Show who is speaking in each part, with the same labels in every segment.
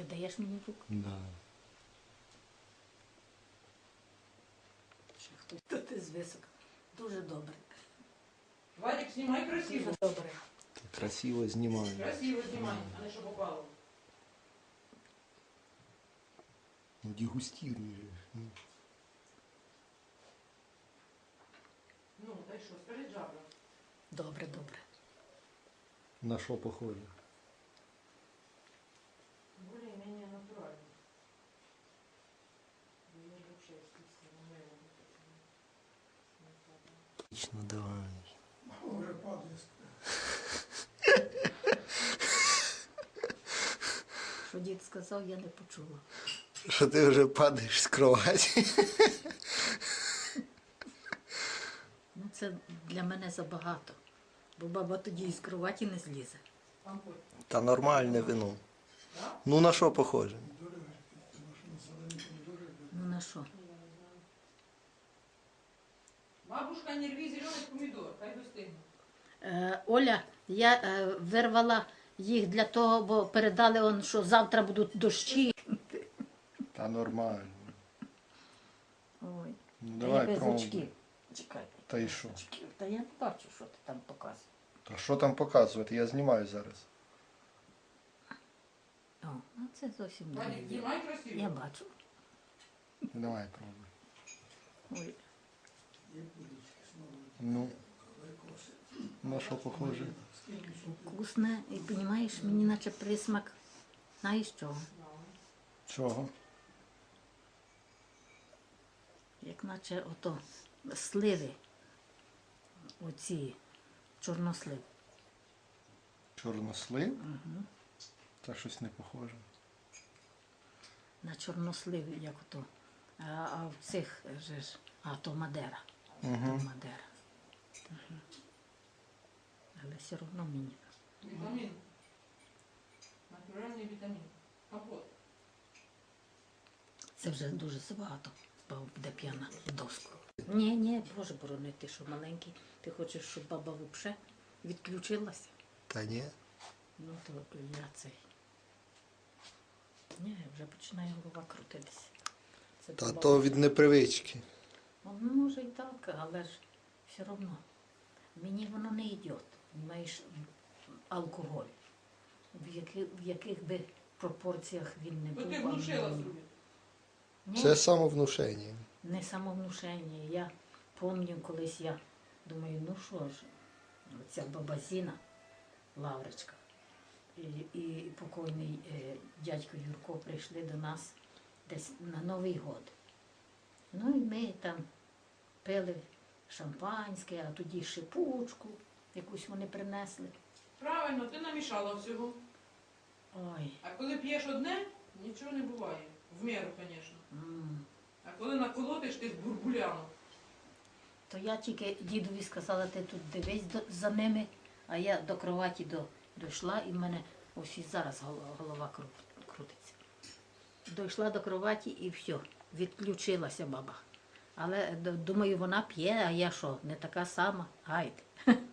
Speaker 1: Ти даєш мені руку?
Speaker 2: Да.
Speaker 1: Ще хтось тут із висока. Дуже добре.
Speaker 3: Вадик, знімай красиво.
Speaker 1: Дуже добре.
Speaker 2: Красиво знімаю.
Speaker 3: Красиво знімай, а не що попало.
Speaker 2: Ну, дегустируй же.
Speaker 3: Ну, та й що, скажи жабра.
Speaker 1: Добре, добре.
Speaker 2: На що похоже?
Speaker 3: Более-менее натурально. Я же вообще естественно, моего
Speaker 2: Отлично, давай.
Speaker 4: Уже падає.
Speaker 1: Що дід сказав, я не почула.
Speaker 2: Що ти вже падаєш з кроваті?
Speaker 1: Ну, це для мене забагато. Бо баба тоді із кроваті не злізе.
Speaker 3: Компот.
Speaker 2: Та нормальне вино.
Speaker 3: Да?
Speaker 2: Ну на що похоже?
Speaker 1: Ну на що?
Speaker 3: Бабушка, не рви зеленый помидор, хай достигне.
Speaker 1: Оля, я вирвала їх для того, бо передали, що завтра будуть дощі.
Speaker 2: Та нормально.
Speaker 1: Ой,
Speaker 2: Ну
Speaker 1: та
Speaker 2: давай
Speaker 1: я без
Speaker 2: пробуй.
Speaker 1: очків. Чекай.
Speaker 2: Та й що?
Speaker 1: Очків. Та я не бачу, що ти там показуєш.
Speaker 2: Та що там показувати? Я знімаю зараз.
Speaker 1: О, ну це зовсім не
Speaker 3: Вадик,
Speaker 1: є.
Speaker 3: знімай красиво.
Speaker 1: Я бачу.
Speaker 2: Давай пробуй.
Speaker 1: Ой,
Speaker 2: Ну, на що похоже?
Speaker 1: вкусне. І розумієш, мені наче присмак. Знаєш чого?
Speaker 2: Чого?
Speaker 1: Як наче ото сливи. Оці чорнослив.
Speaker 2: Чорнослив? Та щось не похоже.
Speaker 1: На чорнослив, як ото. А в цих же ж, то Мадера. То Мадера. Угу. Але все одно мені.
Speaker 3: Витамин. Натуральный витамин. Компот.
Speaker 1: Це вже дуже забагато. Баба буде п'яна в доску. Ні, Боже борони, ти що маленький. Ти хочеш, щоб баба взагалі відключилася?
Speaker 2: Та ні.
Speaker 1: Ну то я цей. Ні, вже починає голова крутитися. Це
Speaker 2: Та
Speaker 1: баба-
Speaker 2: то від непривички.
Speaker 1: Ну, може і так, але ж все одно. Мені воно не йде. Маєш алкоголь. В яких би пропорціях він не
Speaker 3: Ну
Speaker 1: був.
Speaker 3: ти
Speaker 1: а
Speaker 3: внушила
Speaker 1: мені-
Speaker 3: собі.
Speaker 1: Ні,
Speaker 2: Це самовнушення.
Speaker 1: не самовнушення. Я пам'ятаю, колись я думаю, ну що ж, оця баба Зіна, Лавричка, і покойний дядько Юрко прийшли до нас десь на Новий год. Ну і ми там пили шампанське, а тоді шипучку, якусь вони принесли.
Speaker 3: Правильно, ти намішала всього.
Speaker 1: Ой,
Speaker 3: А коли п'єш одне, нічого не буває. В міру, звісно.
Speaker 1: м.
Speaker 3: А коли наколотиш, ти з бурбуляну.
Speaker 1: То я тільки дідові сказала, ти тут дивись за ними, а я до кроваті дійшла і в мене ось і зараз голова крутиться. Дійшла до кроваті і все, відключилася баба. Але думаю, вона п'є, а я що, не така сама? Гайде.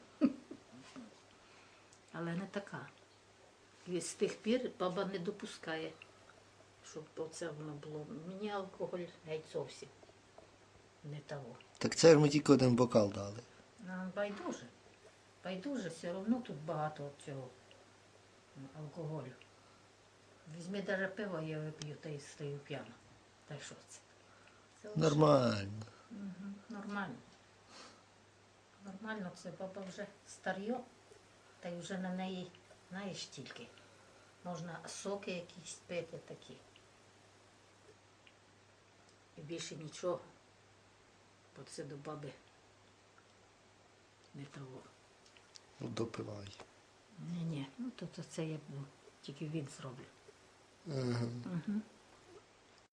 Speaker 1: Але не така. І з тих пір баба не допускає, щоб оце воно було. Мені алкоголь геть зовсім не того.
Speaker 2: Так це ж ми тільки один бокал дали.
Speaker 1: Байдуже. Байдуже, все одно тут багато цього алкоголю. Візьми навіть пиво, я вип'ю та й стою п'яна. Та й що це? Це лише-
Speaker 2: Нормально.
Speaker 1: Мгм, нормально. Нормально, це баба вже старьо, та й вже на неї, знаєш, тільки. Можна соки якісь пити такі. І більше нічого. Бо це до баби не того.
Speaker 2: Ну, допивай.
Speaker 1: Ні, ну то це я тільки від зроблю.
Speaker 2: Ага.
Speaker 1: Угу.